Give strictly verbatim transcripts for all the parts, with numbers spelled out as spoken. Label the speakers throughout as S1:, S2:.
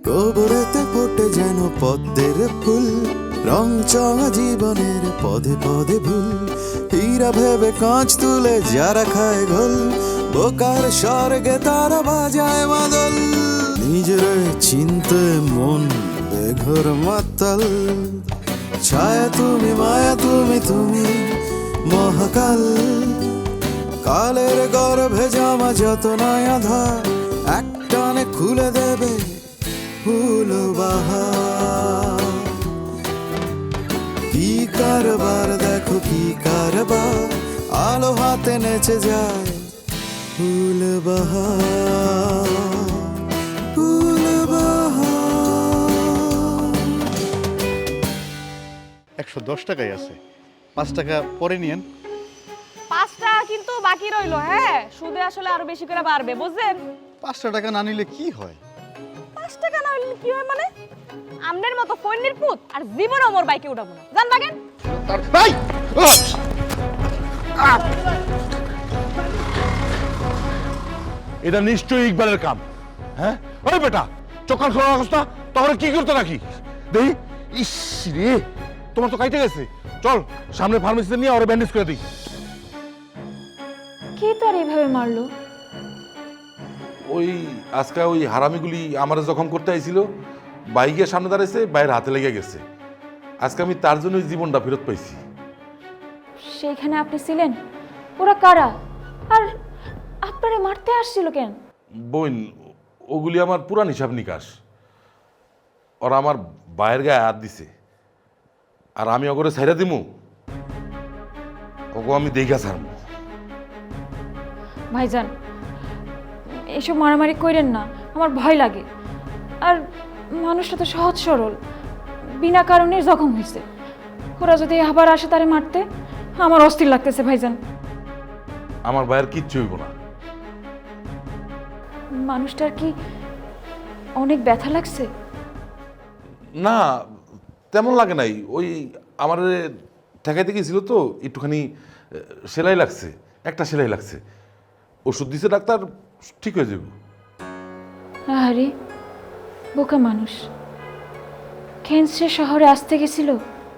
S1: গোবরেতে ফোটে যেন পদ্মের ফুল, রং চঙা জীবনের পদে পদে ভুল। হীরা ভেবে কাঁচ তুলে যারা খায় ঘোল, বোকার স্বর্গে তারা বাজায় মাদল। নিজের চিনতে মন বেঘর মাতাল, ছায়া তুমি মায়া তুমি তুমি মহাকাল। কালের গর্ভে জামা যত নয়া ধার, একটানে খুলে দেবে ফুল বাহার। কি কারবার দেখো কি কারবার, আলো হাতে নেচে যায় ফুল বাহার, ফুল বাহার।
S2: একশো দশ টাকাই আছে, পাঁচ টাকা পরে নিয়েন।
S3: পাঁচ টাকা কিন্তু বাকি রইলো। হ্যাঁ, সুদে আসলে আরো বেশি করে বাড়বে, বুঝছেন?
S2: পাঁচটা টাকা না নিলে কি হয়?
S3: পাঁচ টাকা না হলে কি হয় মানে? আমনের মতো ফইন্নির পুত আর জীবনও মোর বাইকে উঠাবো না, জান বাগেন।
S2: ভাই
S4: এটা নিশ্চয়ই ইকবালের কাম। হ্যাঁ ওই বেটা চোখান খোলা অবস্থা, তখন কি করতে নাকি দেখি। ইস রে, তোমার তো কাইতে গেছে। চল সামনে ফার্মেসিতে নিয়ে ওরা ব্যান্ডেজ করে দিই।
S3: কি তোর এইভাবে মারলো?
S5: ওই আজকে ওই হারামিগুলি আমার জখম করতে আইছিল, বাইকের সামনে দাঁড়াইছে, বাইরের হাতে লেগে গেছে। আজকে আমি তার জন্য জীবনটা ফেরত পাইছি।
S3: সেইখানে আপনি ছিলেন? ওরা কারা? আর আপনারে মারতে আসছিল কেন?
S5: বোন, ওগুলি আমার পুরান হিসাব নিকাশ। ওরা আমার বাইরের গায়ে হাত দিছে, আর আমি ওগরে ছাইরা দিমু, ওগো আমি দেখা ছাড়মু।
S3: ভাইজান, এসব মারামারি কইরেন না, আমার ভয় লাগে। আর মানুষটা তো সহজ সরল, বিনা কারণে জখম হয়েছে। ওরা যদি আবার আসে তারে মারতে, আমার অস্থির লাগতেছে ভাইজান।
S5: আমার বাইরের কিচ্ছু হইব না।
S3: মানুষটার কি অনেক ব্যথা লাগছে?
S5: না, তেমন লাগে নাই। ওই আমার ঠেকাইতে গেছিল তো, একটুখানি সেলাই লাগছে, একটা সেলাই লাগছে। ওষুধ দিছে ডাক্তার, ঠিক হয়ে যাবে।
S3: আরে বোকা মানুষ, ক্যান্সার শহরে আসতে গেছিল।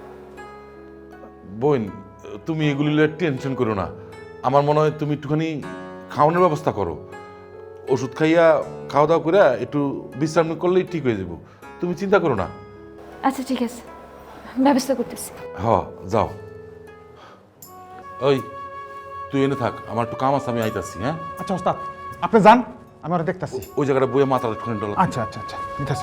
S5: বোন, তুমি এগুলি টেনশন করো না। আমার মনে হয় তুমি একটুখানি খাওয়ানোর ব্যবস্থা করো। ওষুধ খাইয়া খাওয়া দাওয়া করে একটু বিশ্রাম করলেই ঠিক হয়ে যাব। তুমি চিন্তা করো না।
S3: আচ্ছা ঠিক আছে, ব্যবস্থা করতেছি।
S5: হ, যাও। ওই তুই এনে থাক, আমার একটু কাম আছে, আমি আইতাছি। হ্যাঁ
S6: আচ্ছা ওস্তাদ, আপনি যান, আমি ওরা দেখতাছি।
S5: ওই জায়গাটা বইয়ে মাথাটা একটুখানি ডলা।
S6: আচ্ছা আচ্ছা আচ্ছা নিতাছি।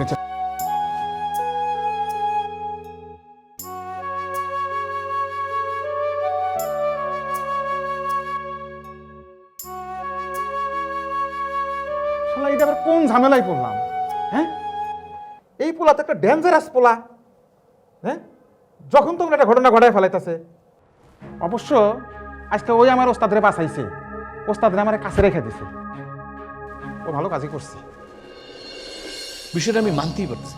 S6: শালা এটা আবার কোন ঝামেলায় পড়লাম? হ্যাঁ, এই পোলা তো একটা ডেঞ্জারাস পোলা। হ্যাঁ, যখন তখন একটা ঘটনা ঘটায় ফেলাইতেছে। অবশ্য আজকে ওই আমার ওস্তাদরে বাঁচাইছে, ওস্তাদরে আমার কাছে রেখে দিছে। ও ভালো কাজই করছে।
S7: বিষয়টা আমি মানতেই পারছি।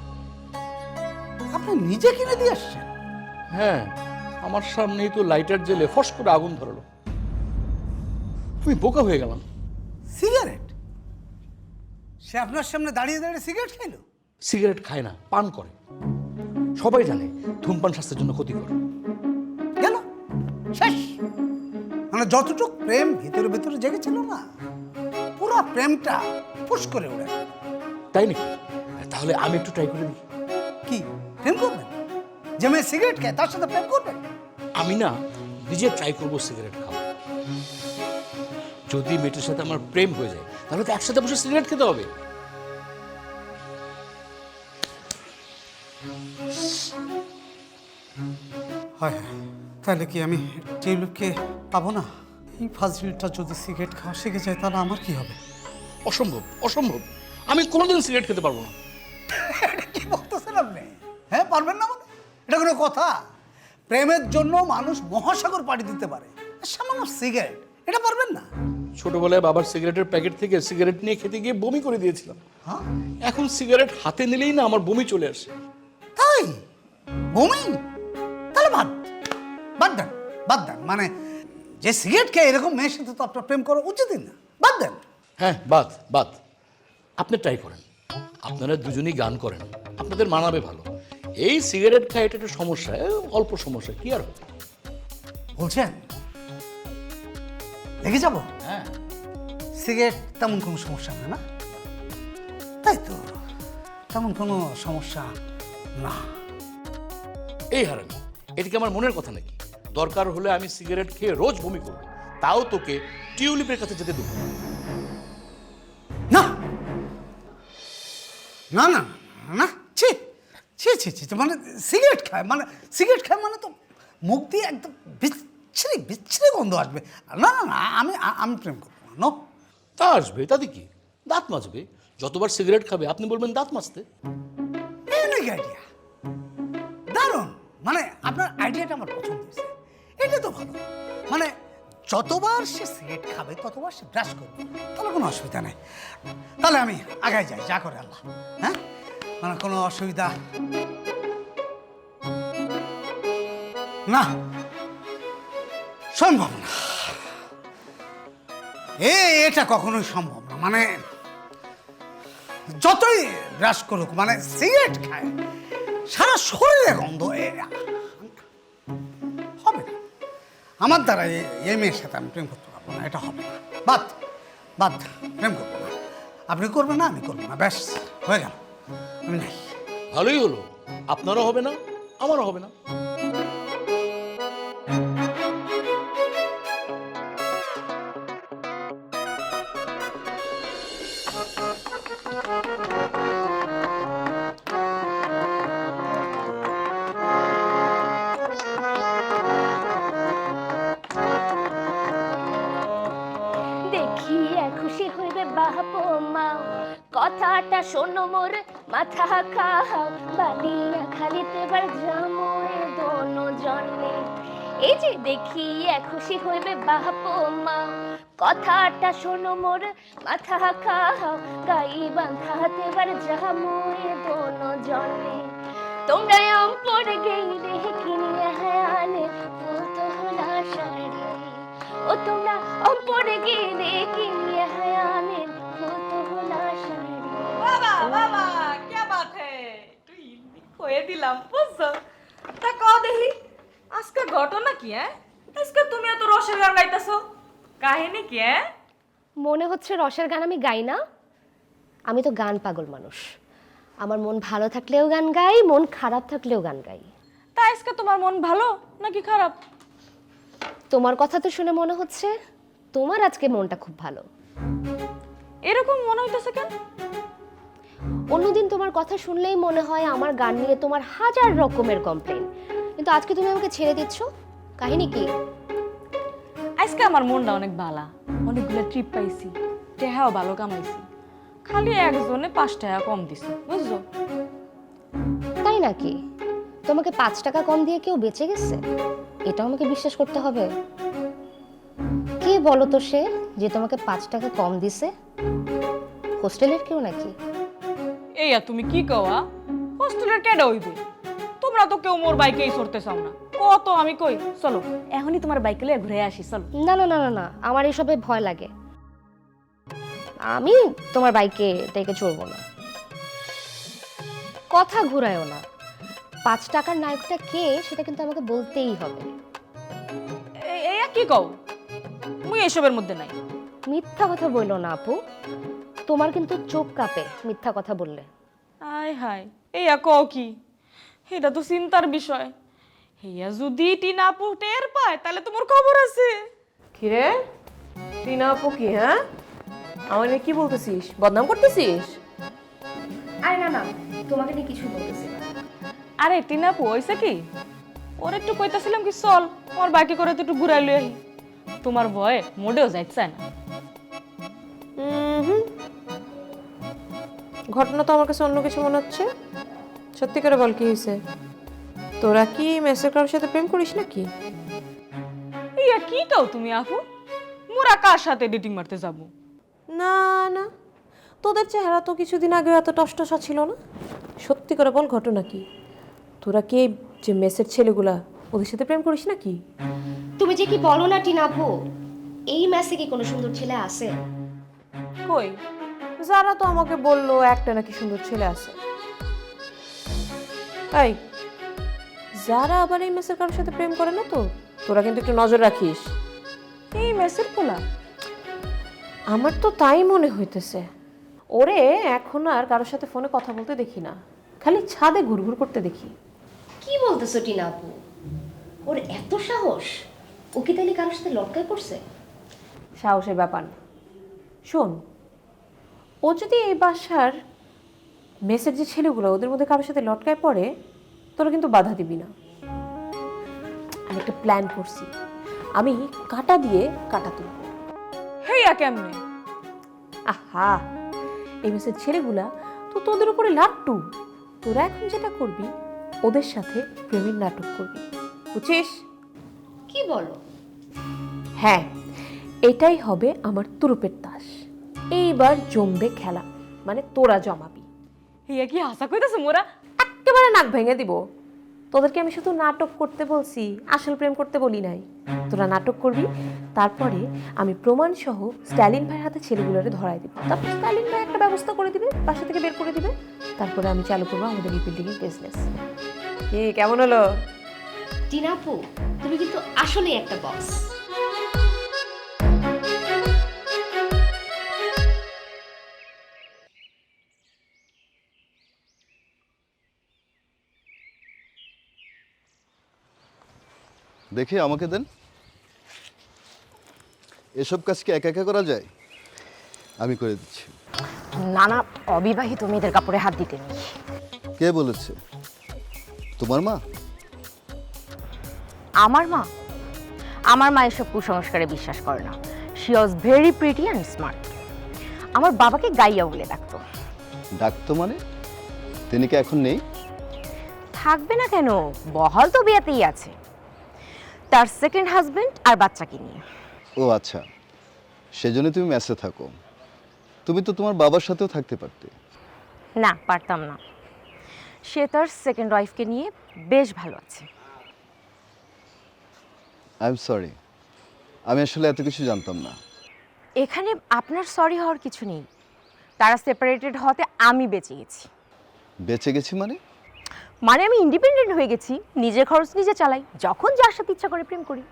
S8: আপনি নিজে কিনে দিয়ে আসছেন?
S7: হ্যাঁ, আমার সামনেই তো লাইটার জেলে ফস করে আগুন ধরালো। আমি বোকা হয়ে গেলাম।
S8: সিগারেট? সে আপনার সামনে দাঁড়িয়ে দাঁড়িয়ে সিগারেট খাইলো?
S7: সিগারেট খায় না, পান করে। সবাই জানে ধূমপান স্বাস্থ্যের জন্য ক্ষতিকর।
S8: গেল শেষ। মানে যতটুক প্রেম ভিতরে ভিতরে জেগেছিল না, পুরো প্রেমটা ফুস করে উড়ে।
S7: তাই নাকি? তাহলে আমি একটু ট্রাই করে দিই।
S8: কি প্রেম করবেন? যে মেয়ে সিগারেট খায় তার সাথে প্রেম করবেন?
S7: আমি না নিজে ট্রাই করবো সিগারেট খাওয়া। যদি মেয়েটার সাথে আমার প্রেম হয়ে যায়, তাহলে তো একসাথে বসে সিগারেট খেতে হবে।
S8: হয় তাহলে কি আমি টিউলিপকে পাবো না? এই ফাজিলটা যদি সিগারেট খাওয়া শিখে যায় তাহলে আমার কি হবে?
S7: অসম্ভব, অসম্ভব। আমি কোনোদিন সিগারেট খেতে পারবো না।
S8: এটা কি বলতেছেন আপনি? হ্যাঁ, পারবেন না মানে? এটা কোনো কথা? প্রেমের জন্য মানুষ মহাসাগর পাড়ি দিতে পারে, সামান্য সিগারেট এটা পারবেন না?
S7: ছোটবেলায় বাবার সিগারেটের প্যাকেট থেকে সিগারেট নিয়ে খেতে গিয়ে বমি করে দিয়েছিলাম।
S8: হ্যাঁ,
S7: এখন সিগারেট হাতে নিলেই না আমার বমি চলে আসে।
S8: তাই বমি? তাহলে বাদ বাদ দেন, বাদ দেন। মানে যে সিগারেট খেয়ে এরকম মেয়ের সাথে তো আপনার প্রেম করা উচিতই না। বাদ দেন।
S7: হ্যাঁ, বাদ বাদ। আপনি ট্রাই করেন, আপনারা দুজনেই গান করেন, আপনাদের মানাবে ভালো। এই সিগারেট খায় এটা একটা সমস্যা, এ, অল্প সমস্যা, কি আর হবে?
S8: বলছেন লেগে যাব?
S7: হ্যাঁ,
S8: সিগারেট তেমন কোনো সমস্যা না, না তাই তো? তেমন কোনো সমস্যা না।
S7: এই হারামি, এটা কি আমার মনের কথা নাকি? দরকার হলে আমি সিগারেট খেয়ে রোজ বমি করব, তাও তোকে টিউলিপের কাছে যেতে দেবো না।
S8: না না না না, না ছি ছি ছি ছি ছি, মানে সিগারেট খায় মানে সিগারেট খায় মানে তো মুখ দিয়ে একদম বিচ্ছিরি বিচ্ছিরি গন্ধ আসবে। না না না, আমি আ- আমি প্রেম করবো না। নো,
S7: তা আসবে, তাতে কি? দাঁত মাজবে, যতবার সিগারেট খাবে আপনি বলবেন দাঁত মাজতে।
S8: ইউনিক আইডিয়া, দারুণ। মানে আপনার আইডিয়াটা আমার পছন্দ হয়েছে। এটা তো ভালো, মানে যতবার সে সিগারেট খাবে ততবার সে ব্রাশ করবে, তাহলে কোনো অসুবিধা নেই। তাহলে আমি আগায় যাই, যা করে আল্লাহ। হ্যাঁ, মানে কোনো অসুবিধা না, সম্ভব না। এ এটা কখনোই সম্ভব না। মানে যতই ব্রাশ করুক, মানে সিগারেট খায়, সারা শরীরে গন্ধ, এ হবে না। আমার দ্বারা এ- এই মেয়ের সাথে আমি প্রেম করতে পারবো না, এটা হবে না। বাদ বাদ, প্রেম করবো না। আপনি করবেন না, আমি করবো না, ব্যাস হয়ে গেল, আমি নাই।
S7: ভালোই হলো, আপনারও হবে না, আমারও হবে না।
S9: দেখিয়া খুশি হইবে বাপ মা, কথাটা শোনো মোর মাথা খাও, বাদিয়া খালিতে বার জামুয়ে দোনো জনে। এই যে দেখিয়া খুশি হইবে বাপ মা, কথাটা শোনো মোর মাথা খাও, গাই বাঁধাতে বার জামুয়ে দোনো জনে। তোমরা অম্পর গেইলে কিনিয়া আনে পুতলা শাড়ি, ও তোমরা অম্পরে গেলে কিনিয়া আনে পুতলা শাড়ি।
S10: বাবা বাবা কে বাত হে, তুই কয়ে দিলাম বুঝছো? তা কও দেখি আজকে ঘটনা কি? হ্যাঁ, আজকে তুমি এত রসের গান গাইতেছো, কাহিনী কি? হ্যাঁ,
S9: মনে হচ্ছে রসের গান আমি গাই না? আমি তো গান পাগল মানুষ। আমার মন ভালো থাকলেও গান গাই, মন খারাপ থাকলেও গান গাই।
S3: তা আজকে তোমার মন ভালো নাকি খারাপ?
S9: তোমার কথা তো শুনে মনে হচ্ছে তোমার আজকে মনটা খুব ভালো।
S3: এরকম মনে হইতেছে কেন?
S9: অন্যদিন তোমার কথা শুনলেই মনে হয় আমার গান নিয়ে তোমার হাজার রকমের কমপ্লেন, কিন্তু আজকে তুমি আমাকে ছেড়ে দিচ্ছ, কাহিনী কি?
S3: আজকে আমার মনটা অনেক ভালো, অনেকগুলো ট্রিপ পাইছি, টেহাও ভালো কামাইছি, খালি একজনে পাঁচ টাকা কম দিছে, বুঝছো?
S9: তাই নাকি? তোমাকে পাঁচ টাকা কম দিয়ে কেউ বেঁচে গেছে? এটাও আমাকে বিশ্বাস করতে হবে। কে বলো তো সে যে তোমাকে পাঁচ টাকা কম দিছে? হোস্টেলের কেউ নাকি?
S3: এইয়া তুমি কি কওয়া? হোস্টেলের কেডা হইবে? তোমরা তো কেউ মোর বাইকেই চড়তে চাও না, কত আমি কই চলো এখনই তোমার বাইকে লয়ে ঘুরে আসি, চলো।
S9: না না না না না, আমার এসবে ভয় লাগে, আমি তোমার বাইকে থেকে চড়বো না। কথা ঘুরায়ও না, পাঁচ টাকার নায়কটা কে সেটা কিন্তু আমাকে বলতেই হবে।
S3: এ- এইয়া কি কও? মুই এসবের মধ্যে নাই।
S9: মিথ্যা কথা বললো না আপু, তোমার কিন্তু চোখ কাঁপে মিথ্যা কথা বললে।
S3: আয় হায়, এইয়া কও কি? এটা তো চিন্তার বিষয়। হেয়া যদি টিনা আপু টের পায় তাহলে তোমার খবর আছে।
S10: কিরে টিনা আপু কি? হ্যাঁ, আমার কি বলতেছিস? বদনাম করতেছিস?
S9: আরে না না, তোমাকে নিয়ে কিছু বলতেছি না।
S3: আরে টিনা আপু হইছে কি, ওর একটু কইতাছিলাম কি চল আমার বাইকে করে তো একটু ঘুরাই লই আহি। তোমার ভয়ে মোডেও যাইতে চায় না।
S10: হুম, ঘটনা তো আমার কাছে অন্য কিছু মনে হচ্ছে। সত্যি করে বল, কি হয়েছে? তোরা কি মেসের কারোর সাথে প্রেম করিস নাকি?
S3: ইয়া কি কও তুমি আপু? মোরা কার সাথে ডেটিং মারতে যাব?
S10: না না, তোদের চেহারা তো কিছুদিন আগে এত টসটসা ছিল না। সত্যি করে বল, ঘটনা কি? তোরা কি এই যে মেসের ছেলেগুলা ওদের সাথে প্রেম করিস নাকি?
S9: তুমি যে কি বলো না টিনাপু, এই ম্যাসে কি কোনো সুন্দর ছেলে আছে?
S3: কই
S11: যারা তো আমাকে বললো একটা নাকি সুন্দর ছেলে আছে। এই যারা আবার এই মেসের কারোর সাথে প্রেম করে না তো, তোরা কিন্তু একটু নজর রাখিস।
S3: এই মেসের পোলা?
S11: আমার তো তাই মনে হইতেছে। ওরে এখন আর কারোর সাথে ফোনে কথা বলতে দেখি না, খালি ছাদে ঘুরঘুর করতে দেখি।
S9: কি বলতেছো টিনা আপু? ওর এত সাহস? ও কি তাহলে কারোর সাথে লটকায় পড়ছে?
S11: সাহসের ব্যাপার না। শোন, ও যদি এই বাসার মেসের যে ছেলেগুলো ওদের মধ্যে কারোর সাথে লটকায় পড়ে, তোরা কিন্তু বাধা দিবি না। আমি একটা প্ল্যান করছি, আমি কাটা দিয়ে কাটা তুলব।
S3: হেইয়া কেমনে?
S11: আহা, এই মেসের ছেলেগুলা তো তোদের উপরে লাট্টু। তোরা এখন যেটা করবি, ওদের সাথে প্রেমের নাটক করবি, বুঝছিস?
S9: কি বলো?
S11: হ্যাঁ, এটাই হবে আমার তুরুপের তাস। এইবার জমবে খেলা, মানে তোরা জমাবি।
S3: হেইয়া কি আশা কইতাছ মোরা?
S11: একেবারে নাক ভেঙে দিব। তোদেরকে আমি শুধু নাটক করতে বলছি, আসল প্রেম করতে বলি নাই। তোরা নাটক করবি, তারপরে আমি প্রমাণ সহ স্ট্যালিন ভাইয়ের হাতে ছেলেগুলোরে ধরাই দিব। তারপর স্ট্যালিন ভাই একটা ব্যবস্থা করে দিবে, বাসা থেকে বের করে দিবে। তারপরে আমি চালু করবো আমাদের এই বিল্ডিং এর বিজনেস। কি কেমন হলো?
S9: টিনা আপু, তুমি কিন্তু আসলেই একটা বস।
S2: দেখে আমাকে দেন। এসব কাজ কি একা একা করা যায়? আমি করে দিচ্ছি।
S9: না না, অবিবাহিত মেয়েদের কাপড়ে হাত দিতে নেই।
S2: কে বলেছে? তোমার মা?
S9: আমার মা? আমার মা এসব কুসংস্কারে বিশ্বাস করে না। She was very pretty and smart. আমার বাবাকে গাইয়া বলে ডাকতো।
S2: ডাকতো মানে? তিনি কি এখন নেই?
S9: থাকবে না কেন, বহাল তো বিয়াতেই আছে, তার সেকেন্ড হাজবেন্ড আর বাচ্চাকে নিয়ে।
S2: ও আচ্ছা, সেজন্য তুমি মেসে থাকো। তুমি তো তোমার বাবার সাথেও থাকতে পারতে।
S9: না, পারতাম না। সে তার সেকেন্ড ওয়াইফকে নিয়ে বেশ ভালো আছে।
S2: আই এম সরি, আমি আসলে এত কিছু জানতাম না।
S9: এখানে আপনার সরি হওয়ার কিছু নেই। তারা সেপারেটেড হতে আমি বেঁচে গেছি।
S2: বেঁচে গেছি মানে?
S9: মানে আমি ইন্ডিপেন্ডেন্ট হয়ে গেছি, নিজের খরচ নিজে চালাই, যখন যার সাথে ইচ্ছা করে প্রেম করি।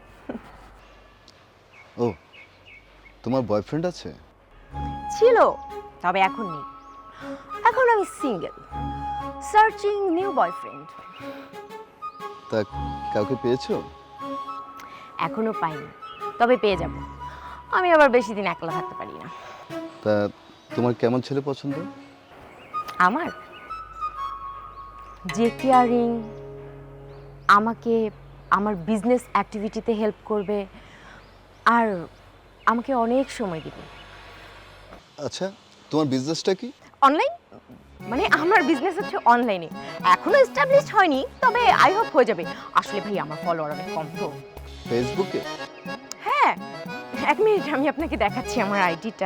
S2: ও, তোমার বয়ফ্রেন্ড আছে?
S9: ছিল, তবে এখন নেই। এখন আমি সিঙ্গেল, সার্চিং নিউ বয়ফ্রেন্ড।
S2: তা কাউকে পেয়েছো?
S9: এখনো পাইনি, তবে পেয়ে যাব। আমি আবার বেশি দিন একলা থাকতে পারি না।
S2: তা তোমার কেমন ছেলে পছন্দ?
S9: আমার যে কেয়ারিং, আমাকে আমার বিজনেস অ্যাক্টিভিটিতে হেল্প করবে, আর আমাকে অনেক সময় দিবে।
S2: আচ্ছা, তোমার বিজনেসটা কি?
S9: অনলাইন, মানে আমার বিজনেস হচ্ছে অনলাইনে। এখনো এস্টাবলিশড হয়নি, তবে আই হোপ হয়ে যাবে। আসলে ভাই আমার ফলোয়ার অনেক কম তো।
S2: ফেসবুকে?
S9: হ্যাঁ, এক মিনিট আমি আপনাকে দেখাচ্ছি আমার আইডিটা।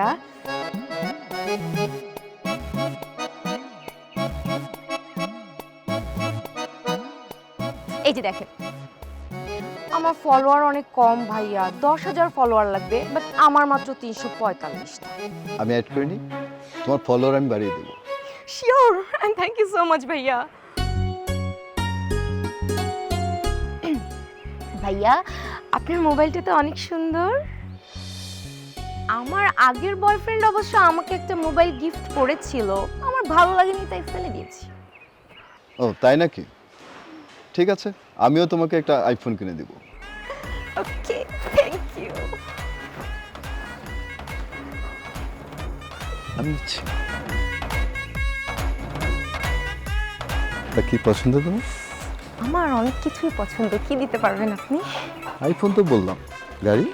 S9: এই যে দেখেন, আমার ফলোয়ার অনেক কম ভাইয়া, দশ হাজার ফলোয়ার লাগবে, বাট আমার মাত্র তিনশো পঁয়তাল্লিশটা।
S2: আমি অ্যাড করে নিই, তোমার ফলোয়ার আমি বাড়িয়ে দেবো।
S9: Sure, and thank you so much ভাইয়া। ভাইয়া, আপনার মোবাইলটা তো অনেক সুন্দর। আমার আগের বয়ফ্রেন্ড অবশ্য আমাকে একটা মোবাইল গিফট করেছিল, আমার ভালো লাগেনি তাই ফেলে দিয়েছি।
S2: ও তাই নাকি? ঠিক আছে, আমিও তোমাকে একটা আইফোন কিনে দেব।
S9: ওকে, থ্যাংক ইউ।
S2: আমি নিচ্ছি। তা কি পছন্দ তোমার?
S9: আমার অনেক কিছুই পছন্দ, কি দিতে পারবেন আপনি?
S2: আইফোন তো বললাম, গাড়ি?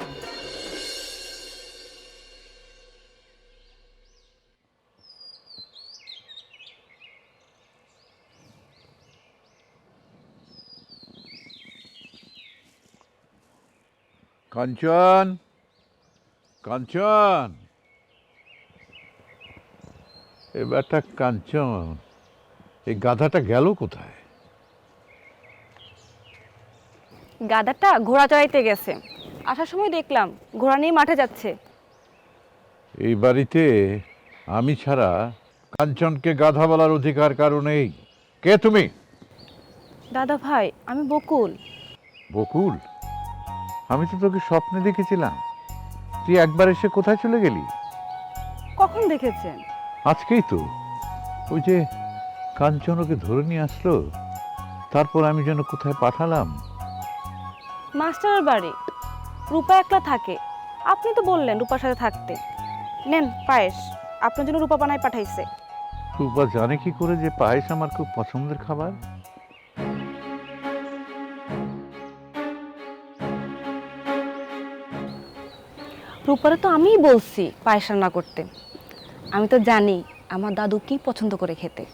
S12: কাঞ্চন, কাঞ্চন, এবারটা কাঞ্চন, এই গাধাটা গেল কোথায়?
S13: গাধাটা ঘোড়া চড়াইতে গেছে, আসার সময় দেখলাম ঘোড়া নিয়ে মাঠে যাচ্ছে।
S12: এই বাড়িতে আমি ছাড়া কাঞ্চনকে গাধা বলার অধিকার কারো নেই। কে তুমি?
S13: দাদা ভাই, আমি বকুল।
S12: বকুল? আমি তো তোকে স্বপ্নে দেখেছিলাম। তুই একবার এসে কোথায় চলে গেলি?
S13: কখন দেখেছেন?
S12: আজকেই তো। ওই যে কাঞ্চন ওকে ধরে নিয়ে আসলো, তারপর আমি যেন কোথায় পাঠালাম।
S13: মাস্টারের বাড়ি। রূপা একলা থাকে। আপনি তো বললেন রূপার সাথে থাকতে। নেন পায়েস, আপনার জন্য রূপা বানায় পাঠাইছে।
S12: রূপা জানে কি করে যে পায়েস আমার খুব পছন্দের খাবার?
S13: রূপারে তো আমিই বলছি পায়েস রান্না করতে। আমি তো জানি আমার দাদু কি পছন্দ করে খেতে।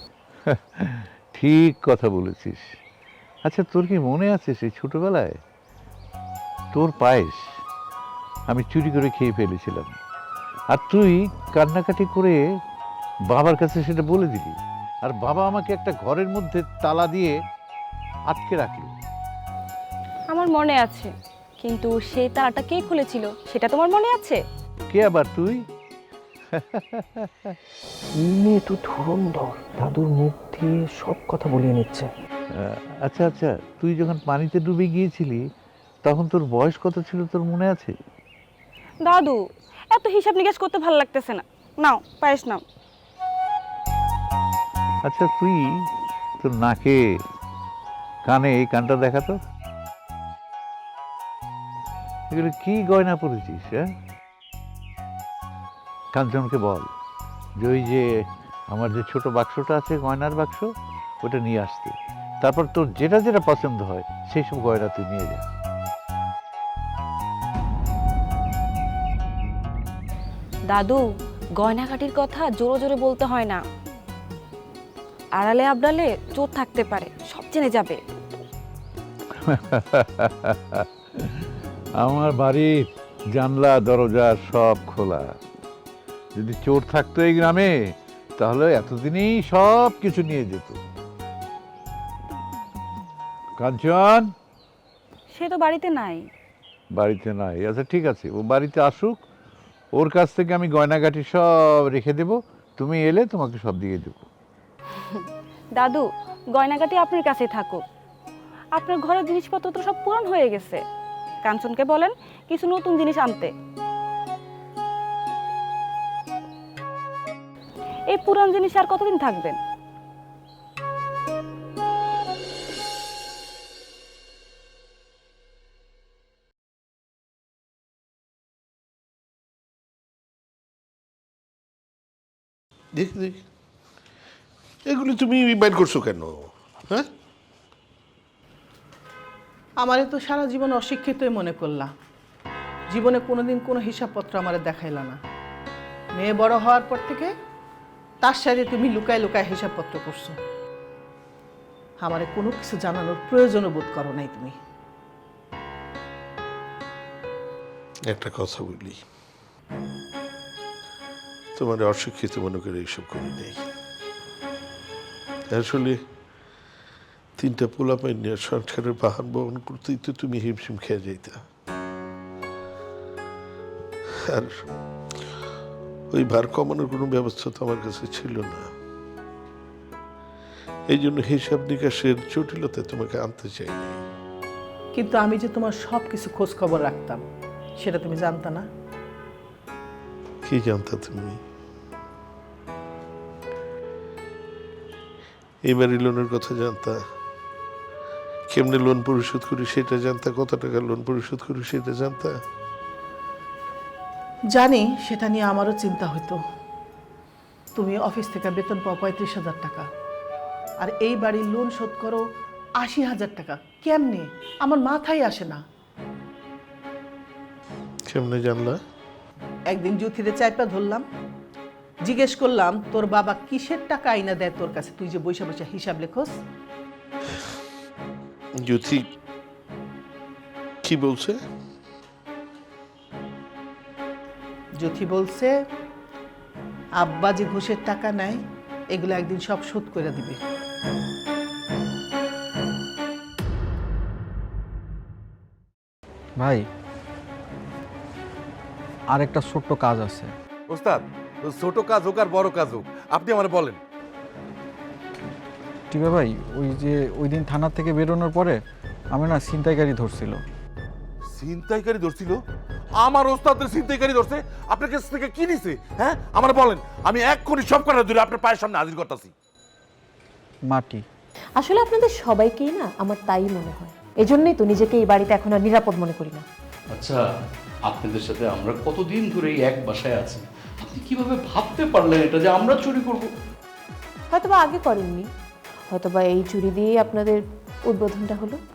S12: ঠিক কথা বলেছিস। আচ্ছা, তোর কি মনে আছে সেই ছোটবেলায় তোর পায়েস আমি চুরি করে খেয়ে ফেলেছিলাম, আর তুই কান্নাকাটি করে বাবার কাছে সেটা বলে দিলি, আর বাবা আমাকে একটা ঘরের মধ্যে তালা দিয়ে আটকে রাখলো।
S13: আমার মনে আছে, কিন্তু সেই তালাটা কে খুলেছিল সেটা তোমার মনে আছে?
S12: কে আবার? তুই?
S6: মেয়ে তো ধুরন্ধর, দাদুর মুখ দিয়ে সব কথা বলিয়ে নিচ্ছে।
S12: আহ, আচ্ছা আচ্ছা, তুই যখন পানিতে ডুবে গিয়েছিলি তখন তোর বয়স কত ছিল, তোর মনে আছে?
S13: দাদু, এত হিসাব নিকাশ করতে ভালো লাগতেছে না। নাও পায়েস নাও।
S12: আচ্ছা, তুই তোর নাকে কানে এই কানটা দেখাতো, এগুলো কি গয়না পরেছিস? হ্যাঁ, কাঞ্চনকে বল যে ওই যে আমার যে ছোট বাক্সটা আছে, গয়নার বাক্স, ওটা নিয়ে আসতে। তারপর তোর যেটা যেটা পছন্দ হয় সেই সব গয়না তুই নিয়ে যা।
S13: দাদু, গয়নাঘাটির কথা জোরে জোরে বলতে হয় না। আড়ালে আবডালে চোর থাকতে পারে, সব জেনে যাবে।
S12: আমার বাড়ির জানলা দরজা সব খোলা। যদি চোর থাকতো এই গ্রামে তাহলে এতদিনই সব কিছু নিয়ে যেত। কাঞ্চন
S13: সে তো বাড়িতে নাই।
S12: বাড়িতে নাই? আচ্ছা ঠিক আছে, ও বাড়িতে আসুক, ওর কাছ থেকে আমি গয়নাগাটি সব রেখে দেব, তুমি এলে তোমাকে সব দিয়ে দেব।
S13: দাদু, গয়নাঘাটি আপনার কাছেই থাকুক। আপনার ঘরের জিনিসপত্র তো সব পুরান হয়ে গেছে। কাঞ্চনকে বলেন কিছু নতুন জিনিস আনতে। এই পুরান জিনিস আর কতদিন থাকবেন?
S4: দেখ দেখ, এগুলি তুমি বাইর করছো কেন? হ্যাঁ,
S14: আমারে তো সারা জীবন অশিক্ষিতই মনে করলা। জীবনে কোনোদিন কোনো হিসাবপত্র আমারে দেখাইলা না। মেয়ে বড় হওয়ার পর থেকে তার সাথে তুমি লুকায় লুকায় হিসাবপত্র করছো। আমারে কোনো কিছু জানানোর প্রয়োজনও বোধ করো নাই তুমি।
S4: একটা কথা বলি, তোমার অশিক্ষিত মনে করে এইসব করি নেই। আসলে তিনটা পোলাপাই নিয়ে সংসারের বাহান বহন করতেই তো তুমি হিমশিম খেয়ে যাইতা। আর ওই ভার কমানোর কোনো ব্যবস্থা তো আমার কাছে ছিল না। এই জন্য হিসাব নিকাশের জটিলতা তোমাকে আনতে চাইনি।
S14: কিন্তু আমি যে তোমার সব কিছু খোঁজ খবর রাখতাম সেটা তুমি জানতা না?
S4: কি জানতা তুমি? এইবারই লোনের কথা জানতা, কেমনে লোন পরিশোধ করি সেটা জানতা, কত টাকা লোন পরিশোধ করি সেটা জানতা।
S14: জানি, সেটা নিয়ে আমারও চিন্তা হতো। তুমি অফিস থেকে বেতন পাও পঁয়ত্রিশ হাজার টাকা, আর এই বাড়ির লোন শোধ করো আশি হাজার টাকা। কেমনে? আমার মাথায় আসে না।
S4: কেমনে জানলা?
S14: একদিন জ্যোতিরে চাইপা ধরলাম, জিজ্ঞেস করলাম তোর বাবা কিসের টাকা আইনা দেয় তোর কাছে, তুই যে বৈশা বৈশা হিসাব লেখোস।
S4: জ্যোতি কি বলছে?
S14: জ্যোতি বলছে আব্বা যে ঘুষের টাকা নেয় এগুলো একদিন সব শোধ করে দিবে।
S15: ভাই, আর একটা ছোট্ট কাজ আছে।
S5: ওস্তাদ, ছোট কাজ হোক আর বড় কাজ হোক, আপনি আমার বলেন।
S6: টিপা ভাই, ওই যে ওই দিন থানা থেকে বেরোনোর পরে আমি না ছিনতাইকারী ধরছিল।
S5: ছিনতাইকারী ধরছিল? আমার ওস্তাদের ছিনতাইকারী ধরছে? আপনার কাছ থেকে কি নিছে? হ্যাঁ আমার বলেন, আমি এক্ষুনি সব কথা ধরে আপনার পায়ের সামনে হাজির করতেছি।
S6: মাটি।
S11: আসলে আপনাদের সবাইকেই না আমার তাই মনে হয়, এজন্যই তো নিজেকে এই বাড়িতে এখন আর নিরাপদ মনে করি না।
S7: আচ্ছা, আপনাদের সাথে আমরা কতদিন ধরে এই এক বাসায় আছি, আপনি কিভাবে ভাবতে পারলেন এটা যে আমরা চুরি করব?
S11: হয়তোবা আগে করেননি, হয়তোবা এই চুরি দিয়েই আপনাদের উদ্বোধনটা হলো।